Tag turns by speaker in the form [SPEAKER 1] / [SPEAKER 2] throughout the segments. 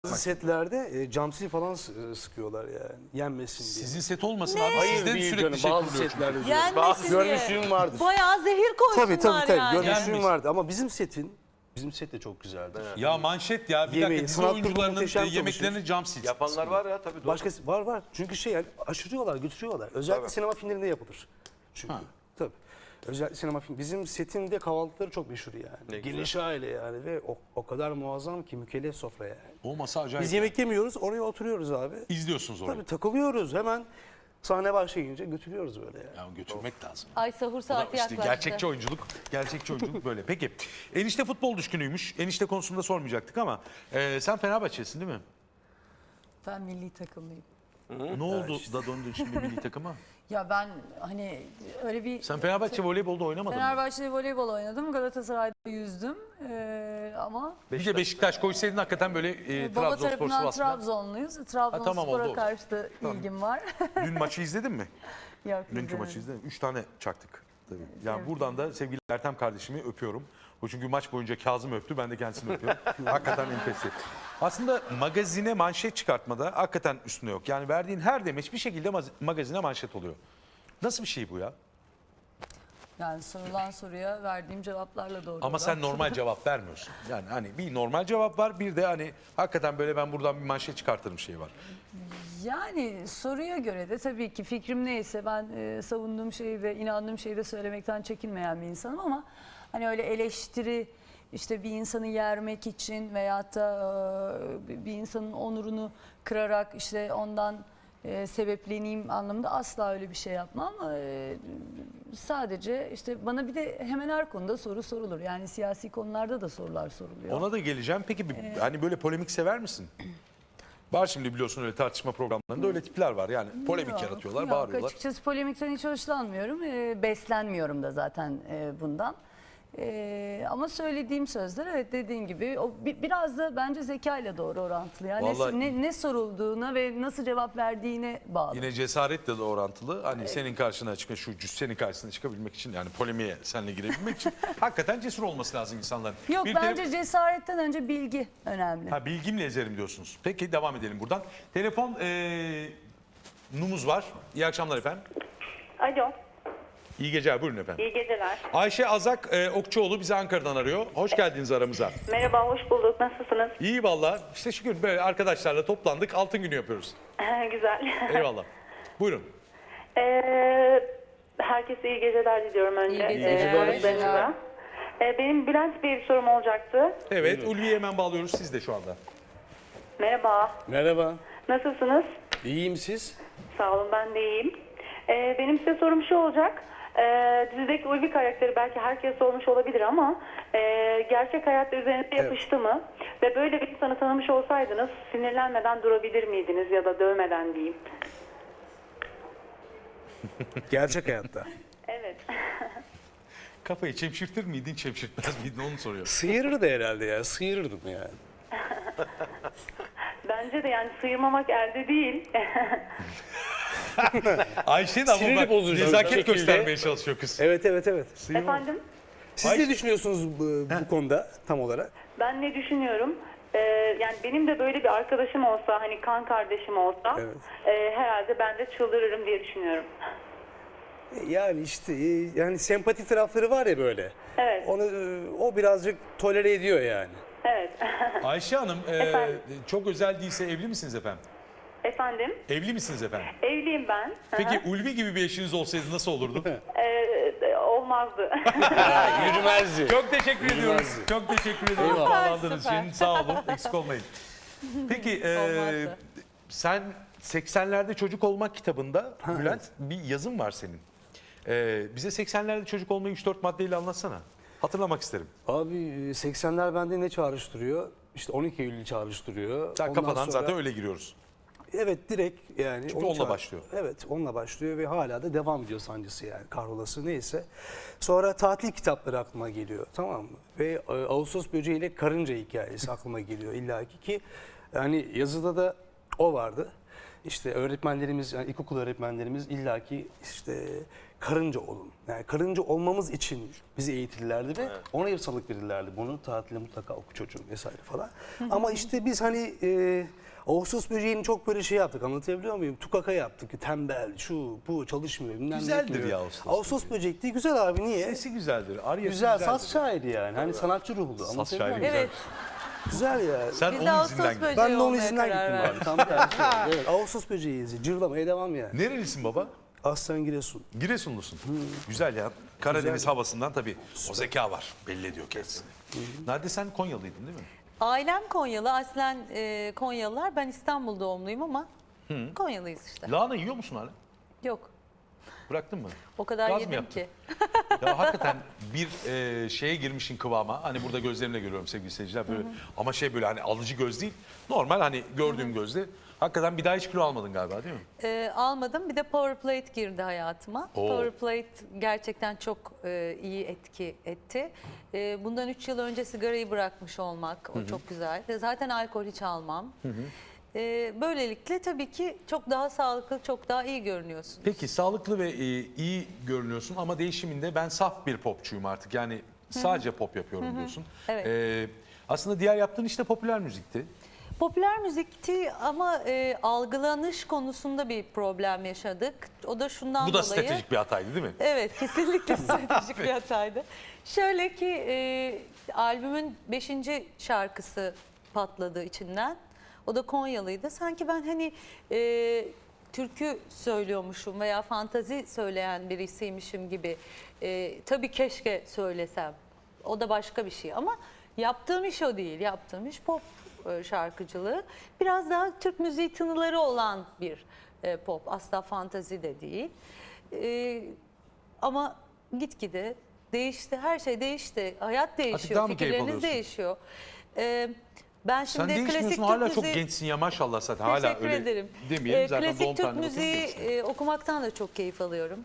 [SPEAKER 1] Bazı setlerde camsil falan sıkıyorlar yani yenmesin diye.
[SPEAKER 2] Sizin set olmasın abi.
[SPEAKER 1] Hayır
[SPEAKER 2] Sizden
[SPEAKER 1] değil
[SPEAKER 2] sürekli
[SPEAKER 1] canım,
[SPEAKER 2] şey
[SPEAKER 1] bazı
[SPEAKER 2] kuruluyor.
[SPEAKER 1] setlerde diyorum.
[SPEAKER 3] Yenmesin diye.
[SPEAKER 1] Görmüşlüğüm vardır.
[SPEAKER 3] Bayağı zehir koysunlar
[SPEAKER 1] Tabii
[SPEAKER 3] yani.
[SPEAKER 1] görmüşlüğüm
[SPEAKER 2] Yenmiş.
[SPEAKER 1] vardı ama bizim set de çok güzeldi.
[SPEAKER 2] Ya manşet ya bir
[SPEAKER 1] Yemeği,
[SPEAKER 2] dakika dizi
[SPEAKER 1] sanat
[SPEAKER 2] oyuncularının
[SPEAKER 1] muhteşem
[SPEAKER 2] yemeklerini cam sil.
[SPEAKER 4] Yapanlar var ya tabii.
[SPEAKER 1] Başkası var çünkü yani aşırıyorlar, götürüyorlar. Özellikle sinema filmlerinde yapılır. Çünkü tabii. Özellikle sinema film. Bizim setin de kahvaltıları çok meşhur yani.
[SPEAKER 4] Ne güzel.
[SPEAKER 1] Geniş aile yani ve o kadar muazzam ki mükellef sofra yani.
[SPEAKER 2] O masa acayip.
[SPEAKER 1] Biz yemek yemiyoruz, oraya oturuyoruz abi.
[SPEAKER 2] İzliyorsunuz orayı.
[SPEAKER 1] Tabii takılıyoruz hemen. Sahne başlayınca götürüyoruz böyle yani.
[SPEAKER 2] Ya götürmek lazım.
[SPEAKER 3] Ay sahur
[SPEAKER 2] Bu da
[SPEAKER 3] saati
[SPEAKER 2] işte
[SPEAKER 3] yaklaştı.
[SPEAKER 2] gerçekçi oyunculuk böyle. Peki enişte futbol düşkünüymüş. Enişte konusunda sormayacaktık ama sen Fenerbahçe'sin değil mi?
[SPEAKER 5] Ben milli takımlıyım.
[SPEAKER 2] Ne oldu da döndün şimdi milli takıma?
[SPEAKER 5] Ya ben hani öyle bir...
[SPEAKER 2] Sen Fenerbahçe voleybolda oynamadın mı?
[SPEAKER 5] Fenerbahçe'de voleybol oynadım. Galatasaray'da yüzdüm. Ama
[SPEAKER 2] Bir de Beşiktaş koysaydın hakikaten böyle
[SPEAKER 5] baba
[SPEAKER 2] Trabzonspor
[SPEAKER 5] tarafından
[SPEAKER 2] Sivas'ta.
[SPEAKER 5] Trabzonluyuz. Trabzonspor'a
[SPEAKER 2] tamam, oldu.
[SPEAKER 5] karşı da ilgim var.
[SPEAKER 2] Dün maçı izledin mi?
[SPEAKER 5] Yok,
[SPEAKER 2] Dünkü
[SPEAKER 5] izlemedim.
[SPEAKER 2] maçı izledin mi? 3 tane çaktık. Tabii. Yani buradan da sevgili Ertem kardeşimi öpüyorum. O çünkü maç boyunca Kazım öptü. Ben de kendisini öpüyorum. Hakikaten enfes. Aslında magazine manşet çıkartmada hakikaten üstüne yok. Yani verdiğin her demeç bir şekilde magazine manşet oluyor. Nasıl bir şey bu ya?
[SPEAKER 5] Yani sorulan soruya verdiğim cevaplarla doğru.
[SPEAKER 2] Ama sen normal cevap vermiyorsun. Yani hani bir normal cevap var, bir de hani hakikaten böyle ben buradan bir manşet çıkartırım şey var.
[SPEAKER 5] Yani soruya göre de tabii ki fikrim neyse ben savunduğum şeyi ve inandığım şeyi de söylemekten çekinmeyen bir insanım ama hani öyle eleştiri işte bir insanı yermek için veyahut da bir insanın onurunu kırarak işte ondan sebepleneyim anlamında asla öyle bir şey yapmam. Sadece işte bana bir de hemen her konuda soru sorulur. Yani siyasi konularda da sorular soruluyor.
[SPEAKER 2] Ona da geleceğim. Peki hani böyle polemik sever misin? Var şimdi biliyorsun öyle tartışma programlarında öyle tipler var. Yani polemik yaratıyorlar,
[SPEAKER 5] Yok,
[SPEAKER 2] bağırıyorlar.
[SPEAKER 5] açıkçası polemikten hiç hoşlanmıyorum. Beslenmiyorum da zaten bundan. Ama söylediğim sözler evet dediğin gibi o biraz da bence zekayla doğru orantılı. Yani
[SPEAKER 2] Vallahi-
[SPEAKER 5] ne sorulduğuna ve nasıl cevap verdiğine bağlı.
[SPEAKER 2] Yine cesaretle de orantılı. Hani senin karşına senin karşısına çıkabilmek için yani polemiğe seninle girebilmek için hakikaten cesur olması lazım insanların.
[SPEAKER 5] Yok
[SPEAKER 2] Bir
[SPEAKER 5] bence cesaretten önce bilgi önemli.
[SPEAKER 2] Ha, bilgimle ezerim diyorsunuz. Peki devam edelim buradan. Telefon numuz var. İyi akşamlar efendim.
[SPEAKER 6] Alo,
[SPEAKER 2] İyi geceler, buyurun efendim.
[SPEAKER 6] iyi geceler.
[SPEAKER 2] Ayşe Azak Okçuoğlu bizi Ankara'dan arıyor. Hoş geldiniz aramıza.
[SPEAKER 6] Merhaba, hoş bulduk. Nasılsınız?
[SPEAKER 2] İyi valla. İşte şükür böyle arkadaşlarla toplandık. Altın günü yapıyoruz.
[SPEAKER 6] Güzel.
[SPEAKER 2] Eyvallah. Buyurun.
[SPEAKER 6] Herkese iyi geceler diliyorum önce.
[SPEAKER 5] İyi geceler.
[SPEAKER 6] Konuklarınıza. Benim Bülent Bey'e bir sorum olacaktı.
[SPEAKER 2] Evet, Ulvi'yi hemen bağlıyoruz. Siz de şu anda.
[SPEAKER 6] Merhaba,
[SPEAKER 1] Merhaba.
[SPEAKER 6] nasılsınız?
[SPEAKER 1] İyiyim siz?
[SPEAKER 6] Sağ olun, ben de iyiyim. Benim size sorum şu olacak. Dizideki Ulvi karakteri belki herkes olmuş olabilir ama gerçek hayatta üzerinize yapıştı mı? Ve böyle bir insanı tanımış olsaydınız sinirlenmeden durabilir miydiniz ya da dövmeden diyeyim?
[SPEAKER 1] Gerçek hayatta.
[SPEAKER 6] Evet.
[SPEAKER 2] Kafayı çemşirtir miydin, çemşirtmez miydin onu soruyor.
[SPEAKER 1] Sıyırırdı herhalde ya. Sıyırırdım yani.
[SPEAKER 6] Bence de yani sıyırmamak elde değil.
[SPEAKER 2] Ayşe de ama
[SPEAKER 1] Siniri
[SPEAKER 2] bak
[SPEAKER 1] bozucu bir
[SPEAKER 2] nezaket
[SPEAKER 1] şekilde.
[SPEAKER 2] göstermeye çalışıyor kız.
[SPEAKER 1] Evet.
[SPEAKER 6] Efendim?
[SPEAKER 1] Siz ne düşünüyorsunuz bu konuda tam olarak?
[SPEAKER 6] Ben ne düşünüyorum? Yani benim de böyle bir arkadaşım olsa, hani kan kardeşim olsa
[SPEAKER 1] Evet.
[SPEAKER 6] herhalde ben de çıldırırım diye düşünüyorum.
[SPEAKER 1] Yani işte yani sempati tarafları var ya böyle.
[SPEAKER 6] Evet.
[SPEAKER 1] Onu o birazcık tolere ediyor yani.
[SPEAKER 6] Evet.
[SPEAKER 2] Ayşe Hanım
[SPEAKER 6] Efendim?
[SPEAKER 2] çok özel değilse evli misiniz efendim?
[SPEAKER 6] Efendim?
[SPEAKER 2] Evli misiniz efendim?
[SPEAKER 6] Evliyim ben. Hı
[SPEAKER 2] Peki
[SPEAKER 6] hı.
[SPEAKER 2] Ulvi gibi bir eşiniz olsaydı nasıl olurdu?
[SPEAKER 6] Olmazdı.
[SPEAKER 1] Yürümezdi.
[SPEAKER 2] Çok teşekkür ediyoruz. Çok teşekkür ediyoruz
[SPEAKER 1] Eyvallah.
[SPEAKER 2] bağlandığınız
[SPEAKER 3] Süper.
[SPEAKER 2] için. Sağ olun. Eksik olmayın. Peki
[SPEAKER 3] Olmazdı.
[SPEAKER 2] sen 80'lerde çocuk olmak kitabında Bülent bir yazın var senin. Bize 80'lerde çocuk olmayı 3-4 maddeyle anlatsana. Hatırlamak isterim.
[SPEAKER 1] Abi 80'ler bende ne çağrıştırıyor? İşte 12 Eylül çağrıştırıyor.
[SPEAKER 2] Sen
[SPEAKER 1] Ondan
[SPEAKER 2] kafadan
[SPEAKER 1] sonra-
[SPEAKER 2] zaten öyle giriyoruz.
[SPEAKER 1] Evet direkt yani.
[SPEAKER 2] Çünkü
[SPEAKER 1] onu
[SPEAKER 2] onunla başlıyor.
[SPEAKER 1] Evet onunla başlıyor ve hala da devam ediyor sancısı yani kahrolası neyse. Sonra tatil kitapları aklıma geliyor tamam mı? Ve Ağustos böceği ile karınca hikayesi aklıma geliyor illaki ki yani yazıda da O vardı. İşte öğretmenlerimiz, yani ilkokul öğretmenlerimiz illaki işte karınca olun. Yani karınca olmamız için bizi eğitirlerdi ve ona salık verirlerdi. Bunu tatilde mutlaka oku çocuğum vesaire falan. Ama işte biz hani Ağustos böceğini çok böyle şey yaptık, anlatabiliyor muyum? Tukaka yaptık, tembel, şu bu çalışmıyor. Bilmem ne
[SPEAKER 2] Güzeldir
[SPEAKER 1] yapmıyor.
[SPEAKER 2] ya Ağustos
[SPEAKER 1] Ağustos böceği değil, güzel abi, niye?
[SPEAKER 2] Sesi güzeldir. Aryası
[SPEAKER 1] Güzel,
[SPEAKER 2] güzeldir.
[SPEAKER 1] saz şairi yani. Hani sanatçı ruhlu.
[SPEAKER 2] Saz
[SPEAKER 1] Anlatabiliyor
[SPEAKER 2] şairi
[SPEAKER 1] muyum?
[SPEAKER 2] güzel.
[SPEAKER 5] Evet.
[SPEAKER 1] Güzel ya.
[SPEAKER 2] Sen
[SPEAKER 5] Biz de
[SPEAKER 2] onun
[SPEAKER 5] Ağustos
[SPEAKER 2] izinden gittin.
[SPEAKER 5] böceği
[SPEAKER 1] Ben de onun
[SPEAKER 5] olmaya
[SPEAKER 1] izinden
[SPEAKER 5] karar
[SPEAKER 1] gittim
[SPEAKER 5] verdik.
[SPEAKER 1] abi. Tam tersi. Yani. Evet, Ağustos böceğiyiz. Cırlamaya devam yani.
[SPEAKER 2] Nerelisin baba?
[SPEAKER 1] Aslan Giresun.
[SPEAKER 2] Giresunlusun. Güzel ya. Karadeniz havasından tabii o zeka var. Belli ediyor kendisini. Nadide sen Konyalıydın değil mi?
[SPEAKER 3] Ailem Konyalı. Aslen Konyalılar. Ben İstanbul doğumluyum ama Konyalıyız işte.
[SPEAKER 2] Lahana yiyor musun hala?
[SPEAKER 3] Yok.
[SPEAKER 2] Bıraktın mı?
[SPEAKER 3] O kadar
[SPEAKER 2] Gaz mı
[SPEAKER 3] yedim
[SPEAKER 2] yaptın?
[SPEAKER 3] ki.
[SPEAKER 2] Ya hakikaten bir şeye girmişin kıvama. Hani burada gözlerimle görüyorum sevgili seyirciler. Böyle, ama şey böyle hani alıcı göz değil. Normal hani gördüğüm gözle. Hakikaten bir daha hiç kilo almadın galiba değil mi?
[SPEAKER 3] Almadım. Bir de Power Plate girdi hayatıma.
[SPEAKER 2] Oo.
[SPEAKER 3] Power Plate gerçekten çok iyi etki etti. Bundan 3 yıl önce sigarayı bırakmış olmak o çok güzel. Zaten alkol hiç almam. Böylelikle tabii ki çok daha sağlıklı, çok daha iyi görünüyorsun.
[SPEAKER 2] Peki sağlıklı ve iyi görünüyorsun ama değişiminde ben saf bir popçuyum artık. Yani sadece pop yapıyorum diyorsun.
[SPEAKER 3] Evet.
[SPEAKER 2] Aslında diğer yaptığın işte popüler müzikti.
[SPEAKER 3] Popüler müzikti ama algılanış konusunda bir problem yaşadık. O da şundan
[SPEAKER 2] Bu da
[SPEAKER 3] dolayı.
[SPEAKER 2] stratejik bir hataydı değil mi?
[SPEAKER 3] Evet, kesinlikle stratejik bir hataydı. Şöyle ki albümün 5. şarkısı patladı içinden. O da Konyalıydı. Sanki ben hani türkü söylüyormuşum veya fantazi söyleyen birisiymişim gibi. Tabii keşke söylesem. O da başka bir şey ama yaptığım iş o değil. Yaptığım iş pop şarkıcılığı. Biraz daha Türk müziği tınıları olan bir pop. Asla fantazi de değil. Ama gitgide değişti. Her şey değişti. Hayat
[SPEAKER 2] daha
[SPEAKER 3] değişiyor.
[SPEAKER 2] mı keyif
[SPEAKER 3] Fikirleriniz
[SPEAKER 2] alıyorsun?
[SPEAKER 3] değişiyor. Ben
[SPEAKER 2] Sen
[SPEAKER 3] şimdi klasik
[SPEAKER 2] değişmiyorsun
[SPEAKER 3] Türk
[SPEAKER 2] hala çok
[SPEAKER 3] müziği...
[SPEAKER 2] gençsin ya maşallah zaten. Hala
[SPEAKER 3] Teşekkür
[SPEAKER 2] öyle
[SPEAKER 3] ederim.
[SPEAKER 2] demeyelim. Zaten doğum
[SPEAKER 3] Klasik Türk
[SPEAKER 2] tarihine
[SPEAKER 3] müziği
[SPEAKER 2] bakınca
[SPEAKER 3] okumaktan da çok keyif alıyorum.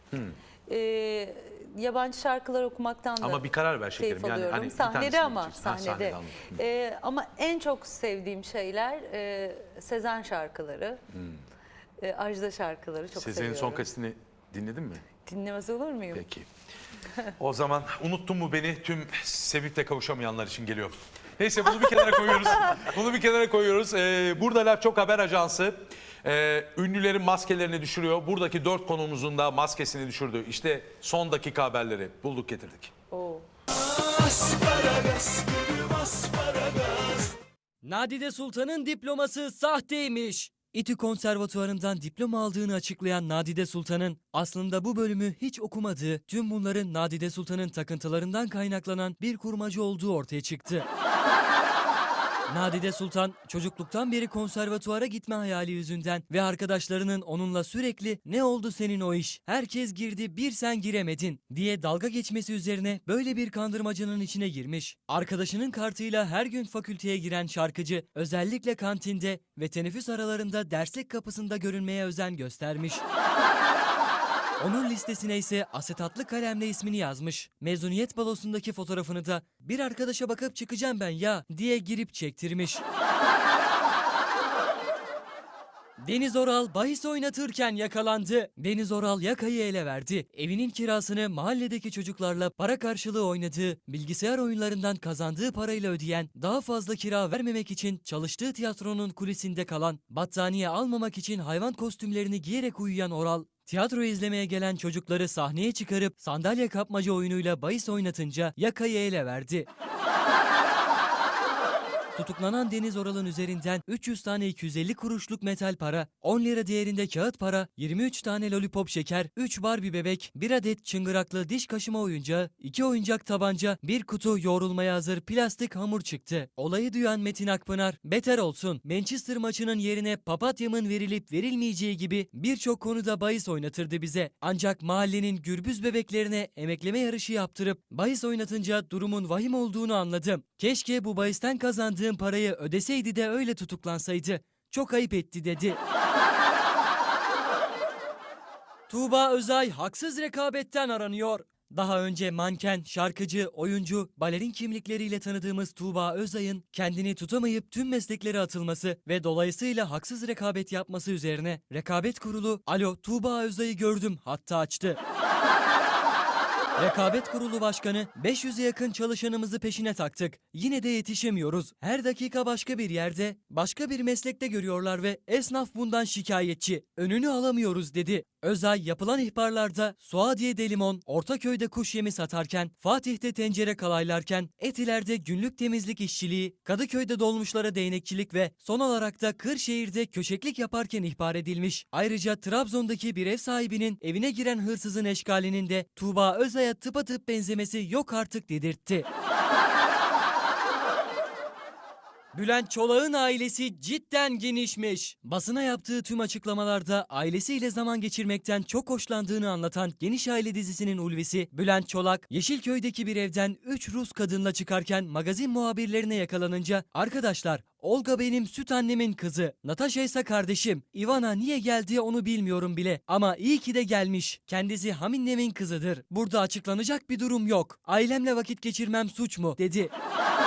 [SPEAKER 3] Yabancı şarkılar okumaktan da
[SPEAKER 2] Ama bir karar ver şekerim.
[SPEAKER 3] keyif
[SPEAKER 2] Yani
[SPEAKER 3] alıyorum.
[SPEAKER 2] hani bir
[SPEAKER 3] Sahnede
[SPEAKER 2] tanesini
[SPEAKER 3] ama
[SPEAKER 2] seçeceksin. Ha,
[SPEAKER 3] sahnede.
[SPEAKER 2] anladım.
[SPEAKER 3] Ama en çok sevdiğim şeyler Sezen şarkıları, Ajda şarkıları çok
[SPEAKER 2] Sezen'in
[SPEAKER 3] seviyorum.
[SPEAKER 2] son kasetini dinledin mi?
[SPEAKER 3] Dinlemez olur muyum?
[SPEAKER 2] Peki. O zaman unuttun mu beni tüm sevip de kavuşamayanlar için geliyor. Neyse bunu bir kenara koyuyoruz. Bunu bir kenara koyuyoruz. Burada Laf Çok Haber Ajansı ünlülerin maskelerini düşürüyor. Buradaki 4 konuğumuzun da maskesini düşürdü. İşte son dakika haberleri bulduk getirdik.
[SPEAKER 3] Oo.
[SPEAKER 4] Nadide Sultan'ın diploması sahteymiş. İTÜ Konservatuvarı'ndan diploma aldığını açıklayan Nadide Sultan'ın aslında bu bölümü hiç okumadığı, tüm bunların Nadide Sultan'ın takıntılarından kaynaklanan bir kurmacı olduğu ortaya çıktı. Nadide Sultan çocukluktan beri konservatuvara gitme hayali yüzünden ve arkadaşlarının onunla sürekli "Ne oldu senin o iş? Herkes girdi, bir sen giremedin" diye dalga geçmesi üzerine böyle bir kandırmacının içine girmiş. Arkadaşının kartıyla her gün fakülteye giren şarkıcı özellikle kantinde ve teneffüs aralarında derslik kapısında görünmeye özen göstermiş. Onun listesine ise asetatlı kalemle ismini yazmış. Mezuniyet balosundaki fotoğrafını da "Bir arkadaşa bakıp çıkacağım ben ya" diye girip çektirmiş. Deniz Oral bahis oynatırken yakalandı. Deniz Oral yakayı ele verdi. Evinin kirasını mahalledeki çocuklarla para karşılığı oynadığı, bilgisayar oyunlarından kazandığı parayla ödeyen, daha fazla kira vermemek için çalıştığı tiyatronun kulisinde kalan, battaniye almamak için hayvan kostümlerini giyerek uyuyan Oral, tiyatro izlemeye gelen çocukları sahneye çıkarıp sandalye kapmaca oyunuyla bahis oynatınca yakayı ele verdi. Tutuklanan Deniz Oral'ın üzerinden 300 tane 250 kuruşluk metal para, 10 lira değerinde kağıt para, 23 tane lollipop şeker, 3 Barbie bebek, 1 adet çıngıraklı diş kaşıma oyuncağı, 2 oyuncak tabanca, 1 kutu yoğrulmaya hazır plastik hamur çıktı. Olayı duyan Metin Akpınar, "Beter olsun, Manchester maçının yerine papatyamın verilip verilmeyeceği gibi birçok konuda bahis oynatırdı bize. Ancak mahallenin gürbüz bebeklerine emekleme yarışı yaptırıp bahis oynatınca durumun vahim olduğunu anladım. Keşke bu bahisten kazandığım parayı ödeseydi de öyle tutuklansaydı. Çok ayıp etti" dedi. Tuğba Özay haksız rekabetten aranıyor. Daha önce manken, şarkıcı, oyuncu, balerin kimlikleriyle tanıdığımız Tuğba Özay'ın kendini tutamayıp tüm mesleklere atılması ve dolayısıyla haksız rekabet yapması üzerine Rekabet Kurulu "Alo, Tuğba Özay'ı gördüm" hattı açtı. Rekabet Kurulu Başkanı 500'e yakın çalışanımızı peşine taktık. Yine de yetişemiyoruz. Her dakika başka bir yerde, başka bir meslekte görüyorlar ve esnaf bundan şikayetçi. Önünü alamıyoruz dedi. Özay yapılan ihbarlarda Suadiye'de limon, Ortaköy'de kuş yemi satarken, Fatih'te tencere kalaylarken, Etiler'de günlük temizlik işçiliği, Kadıköy'de dolmuşlara değnekçilik ve son olarak da Kırşehir'de köşeklik yaparken ihbar edilmiş. Ayrıca Trabzon'daki bir ev sahibinin evine giren hırsızın eşkalinin de Tuğba Özay'a tıpatıp benzemesi yok artık dedirtti. Bülent Çolak'ın ailesi cidden genişmiş. Basına yaptığı tüm açıklamalarda ailesiyle zaman geçirmekten çok hoşlandığını anlatan Geniş Aile dizisinin ulvisi Bülent Çolak, Yeşilköy'deki bir evden 3 Rus kadınla çıkarken magazin muhabirlerine yakalanınca "Arkadaşlar, Olga benim süt annemin kızı, Natasha ise kardeşim. Ivana niye geldi onu bilmiyorum bile ama iyi ki de gelmiş. Kendisi Haminnem'in kızıdır. Burada açıklanacak bir durum yok. Ailemle vakit geçirmem suç mu?" dedi.